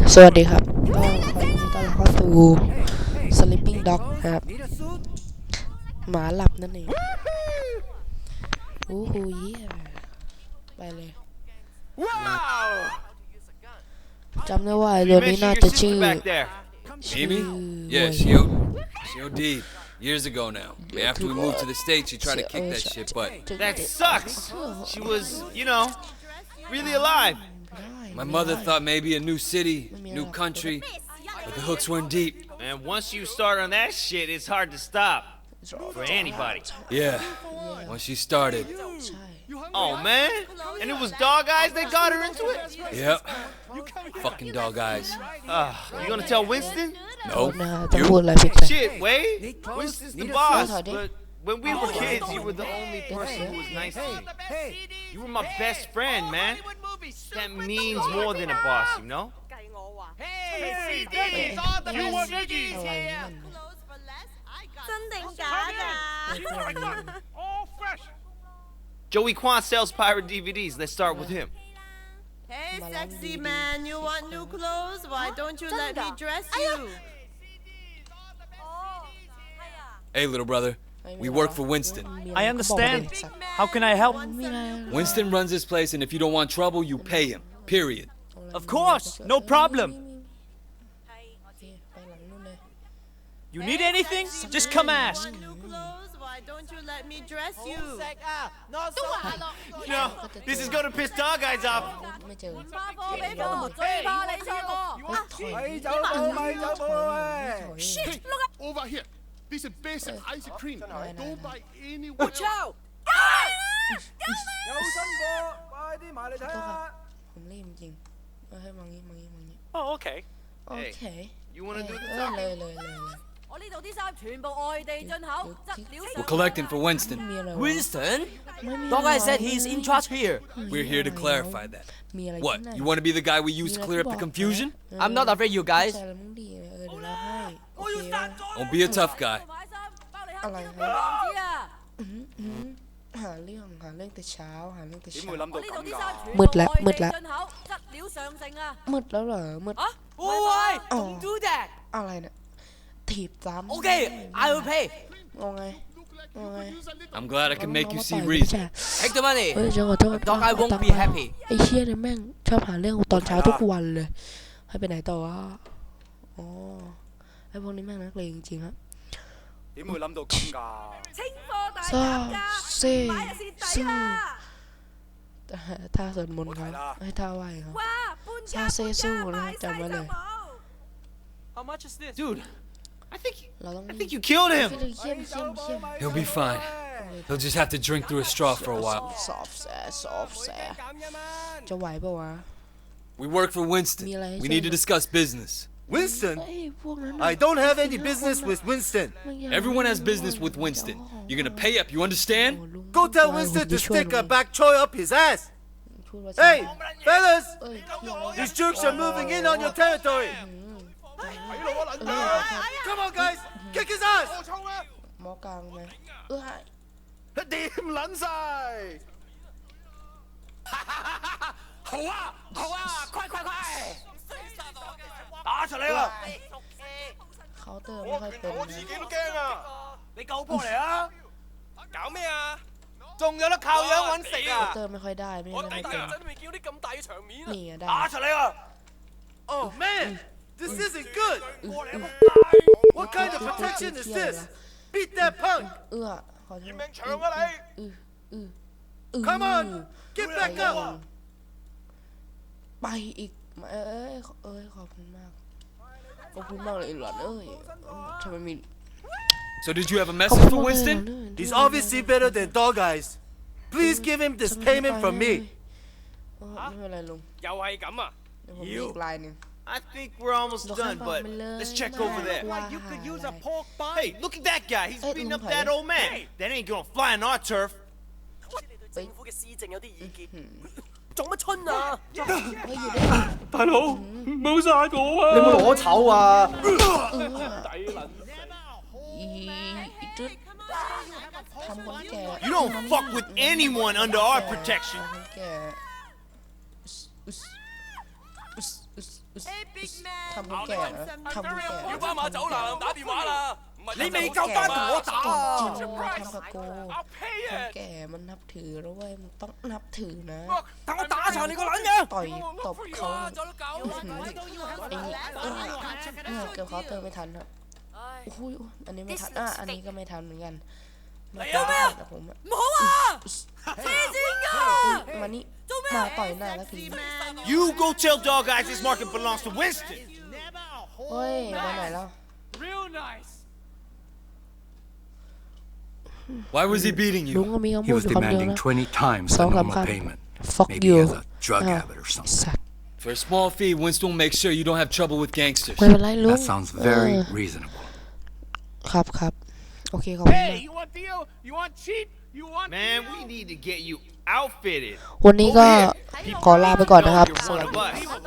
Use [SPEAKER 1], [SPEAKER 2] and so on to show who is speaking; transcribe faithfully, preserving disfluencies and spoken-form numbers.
[SPEAKER 1] สวัสดีครับก็ขอยินดีต้อนรับเข้าสู่ Sleeping Dog นะครับหมาหลับนั่นเองโอ้โหเยี่ยไปเลยจำได้ว่าตัวนี้น่าจะชื่อ
[SPEAKER 2] Amy? Yeah, she O she O D'd years ago now. After we moved to the States, she tried to kick that shit, but
[SPEAKER 3] that sucks. She was, you know, really alive.
[SPEAKER 2] My mother thought maybe a new city, new country, but the hooks weren't deep.
[SPEAKER 3] And once you start on that shit, it's hard to stop for anybody.
[SPEAKER 2] Yeah, once she started.
[SPEAKER 3] Oh man, and it was dog eyes that got her into it.
[SPEAKER 2] Yep. Fucking dog eyes.
[SPEAKER 3] Uh, you gonna tell Winston?
[SPEAKER 2] No.
[SPEAKER 1] จะพูดอะไรผิด
[SPEAKER 3] Shit, Wade. Winston's the boss, but when we were kids, you were the only person who was nice to me. You were my best friend, man. That means more than a boss, you know?
[SPEAKER 4] Hey, you want Nikki?
[SPEAKER 5] 真定假㗎？
[SPEAKER 4] All fresh.
[SPEAKER 3] Joey Kwan sells pirate D V Ds. Let's start with him.
[SPEAKER 5] Hey, sexy man, you want new clothes? Why don't you let me dress you?
[SPEAKER 2] Hey, little brother. We work for Winston.
[SPEAKER 4] I understand. How can I help?
[SPEAKER 2] Winston runs this place, and if you don't want trouble, you pay him. Period.
[SPEAKER 4] Of course, no problem. You need anything? Just come ask.
[SPEAKER 5] Want new clothes? Why don't you let me dress you?
[SPEAKER 3] No, this is gonna piss dog eyes off.
[SPEAKER 1] ไม่เจอ
[SPEAKER 5] Shit, look at
[SPEAKER 6] Over here. This is basic ice cream. Don't buy any.
[SPEAKER 4] Watch out!
[SPEAKER 1] ผมรีบจริงเออให้มองนี้มองนี้มองนี้
[SPEAKER 4] Oh, okay.
[SPEAKER 1] โอเค
[SPEAKER 3] You wanna do
[SPEAKER 1] เอ
[SPEAKER 3] the
[SPEAKER 1] อ
[SPEAKER 3] talking?
[SPEAKER 1] เลยเลยเลยเลย
[SPEAKER 5] 我呢度啲衫全部外地進口，質料
[SPEAKER 2] We're collecting for Winston.
[SPEAKER 1] มีอะไรวะ
[SPEAKER 4] Winston?
[SPEAKER 1] ไม่มี
[SPEAKER 4] Dog Eye
[SPEAKER 1] อะไร
[SPEAKER 4] said he's in charge here.
[SPEAKER 2] We're here to clarify that.
[SPEAKER 1] มีอะไร
[SPEAKER 2] What? You want to be the guy we use to clear up the confusion?
[SPEAKER 4] I'm not afraid, you guys.
[SPEAKER 1] ใช่แล้วมึงดีเออเดี๋ยวเราให้โอเคว่า
[SPEAKER 2] Don't be a tough guy.
[SPEAKER 5] 買衫，包你
[SPEAKER 1] อะไร
[SPEAKER 5] 黑
[SPEAKER 1] ครับ
[SPEAKER 5] 唔知啊！
[SPEAKER 1] หาเรื่องหาเรื่องแต่เช้าหาเรื่องแต่
[SPEAKER 4] 點
[SPEAKER 1] เช้า
[SPEAKER 4] 會諗到
[SPEAKER 5] 我呢度啲衫全
[SPEAKER 1] มืด
[SPEAKER 5] 部
[SPEAKER 1] แล้ว
[SPEAKER 5] 外
[SPEAKER 1] มืด
[SPEAKER 5] 地
[SPEAKER 1] แล้ว
[SPEAKER 5] 進口，質料上乘啊！
[SPEAKER 1] มืดแล้วเหรอมืด
[SPEAKER 5] 啊，
[SPEAKER 4] Oh, why?
[SPEAKER 1] Oh.
[SPEAKER 4] Don't do that.
[SPEAKER 1] อะไรเนี่ยถีบซ้ำ
[SPEAKER 4] Okay, I will pay.
[SPEAKER 1] งงไงงงไง
[SPEAKER 2] I'm glad I can make you
[SPEAKER 1] น้อง
[SPEAKER 2] see
[SPEAKER 1] มาต่อย
[SPEAKER 2] reason.
[SPEAKER 1] ไม่ใช่
[SPEAKER 4] Take the money.
[SPEAKER 1] เฮ้ยจังหวะโทษ
[SPEAKER 4] Dog Eye
[SPEAKER 1] เอา
[SPEAKER 4] won't
[SPEAKER 1] ตังค์
[SPEAKER 4] be
[SPEAKER 1] มา
[SPEAKER 4] happy.
[SPEAKER 1] ไอ้เชี่ยเนี่ยแม่งชอบหาเรื่องตอนเช้าทุกวันเลยให้ไปไหนต่อวะอ๋อไอ้พวกนี้แม่งนักเลงจริงๆครับ
[SPEAKER 4] 點會諗到咁㗎？
[SPEAKER 5] 清貨大
[SPEAKER 1] ซ่า
[SPEAKER 5] 減價，
[SPEAKER 1] เซ่
[SPEAKER 5] 買就蝕底
[SPEAKER 1] ซื่อ
[SPEAKER 5] 啦！
[SPEAKER 1] ท่าสวดมนต์ครับให้ท่าไหวครับ
[SPEAKER 5] 哇，搬家
[SPEAKER 1] 沙些蘇啦
[SPEAKER 5] 搬家，
[SPEAKER 1] 就揾嚟
[SPEAKER 5] 買晒就冇。
[SPEAKER 4] How much is this?
[SPEAKER 3] Dude, I think
[SPEAKER 1] เราต้อง
[SPEAKER 3] I think you killed
[SPEAKER 1] เยี่ย
[SPEAKER 3] him.
[SPEAKER 1] มเยี่ยมเยี่ยมเยี่ยม
[SPEAKER 2] He'll be fine. He'll just have to drink through a straw for a while.
[SPEAKER 1] สอบแสสอบแสจะไหวปะวะ
[SPEAKER 2] We work for Winston. We need to discuss business.
[SPEAKER 7] Winston?
[SPEAKER 1] เอ้ยพวกนั้น
[SPEAKER 7] I don't have any business with Winston.
[SPEAKER 2] Everyone has business with Winston. You're gonna pay up, you understand?
[SPEAKER 7] Go tell Winston to stick a back choy up his ass.
[SPEAKER 1] พูดว่า
[SPEAKER 7] Hey, fellas!
[SPEAKER 1] เอ้ยเที่ยวอะไร
[SPEAKER 7] These jerks are moving in on your territory. Come on, guys! Kick his ass!
[SPEAKER 1] หมอกลางไหมเออ
[SPEAKER 6] 掂撚晒。好啊，好啊，快快快！打出嚟啦！
[SPEAKER 1] เคาน์เตอร์ไม่ค่อยเป็น
[SPEAKER 6] 我自
[SPEAKER 1] นะ
[SPEAKER 6] 己都驚啊！
[SPEAKER 4] 你救波嚟啊！
[SPEAKER 6] 搞咩啊？仲有得靠樣揾食
[SPEAKER 1] เคาน์
[SPEAKER 6] 啊
[SPEAKER 1] เต！อร์ไม่ค่อยได้ไม่
[SPEAKER 6] 我
[SPEAKER 1] ไม่
[SPEAKER 6] 第
[SPEAKER 1] ค่อย
[SPEAKER 6] 一
[SPEAKER 1] เป็น
[SPEAKER 6] 陣都未見到啲咁大嘅場面啊！
[SPEAKER 1] นี่อะได้
[SPEAKER 6] 打出嚟啊！
[SPEAKER 7] Oh man, this isn't good. What kind of protection is this? Beat that punk!
[SPEAKER 1] เอื้อขอโทษ
[SPEAKER 6] 命長啊你！
[SPEAKER 1] อืออืออือ
[SPEAKER 7] Come on, get back up!
[SPEAKER 1] ไปอีกเอ้ยเอ้ยขอบคุณมากขอบคุณมากเลยหลานเอ้ยทำไมมี
[SPEAKER 2] So did you have a
[SPEAKER 1] ขอบ
[SPEAKER 2] message
[SPEAKER 1] คุณ
[SPEAKER 2] for
[SPEAKER 1] มากเลย
[SPEAKER 2] Winston?
[SPEAKER 1] หลานเอ้ย
[SPEAKER 7] He's obviously better than Dog Eyes. Please give him this payment from me.
[SPEAKER 1] เออไม่เป็นไรลุง
[SPEAKER 4] 又係咁啊！
[SPEAKER 1] เดี๋ยวผมมีอีกลายหนึง
[SPEAKER 3] I think we're almost
[SPEAKER 1] เดี๋ยวข้าม
[SPEAKER 3] done,
[SPEAKER 1] ฝั่ง
[SPEAKER 3] but
[SPEAKER 1] ไปเลย
[SPEAKER 3] let's check over
[SPEAKER 1] มาก
[SPEAKER 3] there.
[SPEAKER 1] กว่า
[SPEAKER 4] You could use a
[SPEAKER 1] อะไร
[SPEAKER 4] pork bun.
[SPEAKER 3] Hey, look at that guy. He's
[SPEAKER 1] Hey,
[SPEAKER 3] beating up
[SPEAKER 1] Lung
[SPEAKER 3] that
[SPEAKER 1] Thai.
[SPEAKER 3] old man. That ain't gonna fly on our turf.
[SPEAKER 4] 政府嘅施政有啲意見，做乜春啊？
[SPEAKER 1] เฮ้ยอยู่ได้
[SPEAKER 4] 大佬，唔好殺我啊！
[SPEAKER 7] 你有冇攞籌啊？
[SPEAKER 1] เออ
[SPEAKER 4] 抵撚！
[SPEAKER 1] อีอีตึ๊ดทำคนแก่
[SPEAKER 3] You don't fuck with anyone under our protection.
[SPEAKER 1] ทำคนแก่อึสอึส
[SPEAKER 5] Hey, big man.
[SPEAKER 1] ทำคนแก่นะทำคนแก่
[SPEAKER 6] 要班馬走啦，打電話啦，唔係
[SPEAKER 7] 你未夠班同我打
[SPEAKER 1] จริง
[SPEAKER 7] 啊！
[SPEAKER 1] ๆมันทำกับกู
[SPEAKER 6] I'll pay
[SPEAKER 1] คน
[SPEAKER 6] it。
[SPEAKER 1] แก่มันนับถือแล้วเว้ยมันต้องนับถือนะ
[SPEAKER 7] 等我打殘你個撚樣！
[SPEAKER 1] ต่อยตบเขา
[SPEAKER 6] 走都搞
[SPEAKER 1] ไอ้นี่เออเนี่ยเกือบเขาเติมไม่ทันครับโอ้โหอันนี้ไม่ทันอ่ะอันนี้ก็ไม่ทันเหมือนกันมาต่อยหน้าผมอะ
[SPEAKER 4] 唔好啊！黐線㗎！
[SPEAKER 1] มานี่มาต่อยหน้าแล้วที
[SPEAKER 3] You go tell Dog Eyes this market belongs to Winston.
[SPEAKER 1] เฮ้ยไปไหนแล้ว
[SPEAKER 6] Real nice。
[SPEAKER 2] Why was he beating
[SPEAKER 1] ลุง
[SPEAKER 2] you?
[SPEAKER 1] ก็มีคำ
[SPEAKER 8] He
[SPEAKER 1] พูด
[SPEAKER 8] was
[SPEAKER 1] อยู่คำเดียว
[SPEAKER 8] demanding
[SPEAKER 1] นะ
[SPEAKER 8] twenty times
[SPEAKER 1] ส
[SPEAKER 8] the
[SPEAKER 1] องสาม
[SPEAKER 8] normal
[SPEAKER 1] ค
[SPEAKER 8] payment.
[SPEAKER 1] ำ fuck
[SPEAKER 8] Maybe
[SPEAKER 1] you
[SPEAKER 8] he has a drug
[SPEAKER 1] อ้าว
[SPEAKER 8] habit or
[SPEAKER 1] ไอ้
[SPEAKER 8] something.
[SPEAKER 1] สัตว์
[SPEAKER 2] For a small fee, Winston will make sure you don't have trouble with gangsters.
[SPEAKER 1] ไม่เป็นไรลุง
[SPEAKER 8] That sounds
[SPEAKER 1] เอ
[SPEAKER 8] very
[SPEAKER 1] อ
[SPEAKER 8] reasonable.
[SPEAKER 1] ครับครับโอเคขอบคุณมาก
[SPEAKER 6] Hey, you want deal? You want cheap? You want
[SPEAKER 3] Man, we need to get you outfitted.
[SPEAKER 1] วันนี้ก็ขอลาไปก่อนนะครับ
[SPEAKER 3] You're
[SPEAKER 1] ส
[SPEAKER 3] one
[SPEAKER 1] วัส
[SPEAKER 3] of
[SPEAKER 1] ดี
[SPEAKER 3] us.